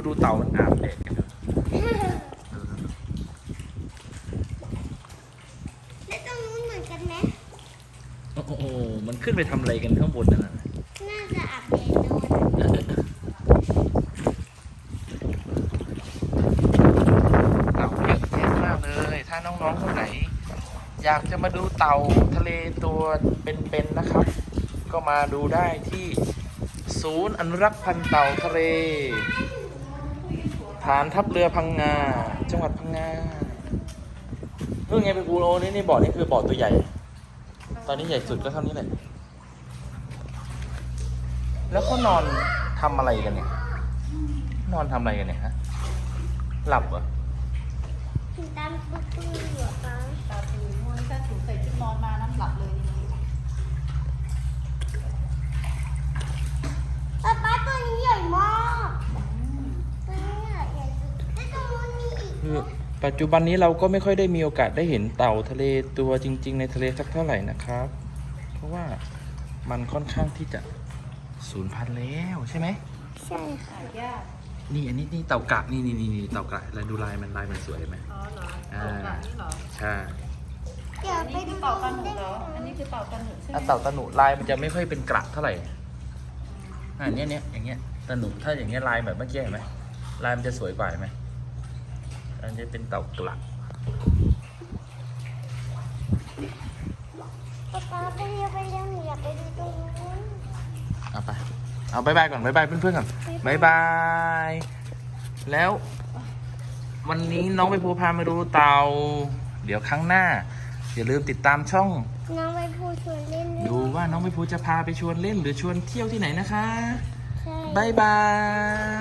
ดูเต่ามันอาบแดดกันดูแล้วตรงนู้นเหมือนกันไหมโอ้โหมันขึ้นไปทำอะไรกันข้างบนนั่นน่ะน่าจะอาบแดดโดนเต่าเยอะแยะมากเลย ถ้าน้องๆคนไหน อยากจะมาดูเต่าทะเลตัวเป็นๆนะครับ ก็มาดูได้ที่ศูนย์อนุรักษ์พันธุ์เต่าทะเลฐานทัพเรือพังงาจังหวัดพังงาเรื่องไงไปกูโรนี่บ่อนี่คือบ่อตัวใหญ่ ตอนนี้ใหญ่สุดก็เท่านี้แหละแล้วเขานอนทำอะไรกันเนี่ยนอนทำอะไรกันเนี่ยฮะหลับเหรอตามปื้อๆอยู่ป้าตาตื่นมวยถ้าถูใส่ชุดนอนมาน้ำหลับเลยทีนี้ป้าตัวนี้ใหญ่มากตัวนี้ใหญ่สุดแล้วตรงนู้นมีอีกคือปัจจุบันนี้เราก็ไม่ค่อยได้มีโอกาสได้เห็นเต่าทะเลตัวจริง ๆ ในทะเลสักเท่าไหร่นะครับ เพราะว่ามันค่อนข้างที่จะสูญพันธุ์แล้วใช่ไหมใช่ค่ะหายากนี่อันนี้เต่ากระนี่เต่ากระแล้วดูลายมันสวยไหมอ๋อเหรอเต่ากันนี่เหรอใช่เดี๋ยวอันไปนี้คืดูอเต่ากันหนูเหรออันนี้คือเต่ากันหนูใช่ไหมถ้าเต่าตะหนุลายมันจะไม่ค่อยเป็นกระเท่าไหร่เนี้ยอย่างเงี้ยตะหนุถ้าอย่างเงี้ยลายแบบเมื่อกี้เห็นไหมลายมันจะสวยกว่าเห็นไหมอันนี้เป็นเต่ากระป้าไปเร็วหนูอยากไปดูตรงนู้นเอาไปเอาบายบายก่อนบายบายเพื่อนๆก่อนบายบายแล้ววันนี้น้องไปภูพามาดูเต่าเดี๋ยวครั้งหน้าอย่าลืมติดตามช่องน้องไปพูดชวนเล่นด้วยดูว่าน้องไปภูจะพาไปชวนเล่นหรือชวนเที่ยวที่ไหนนะคะใช่บายบาย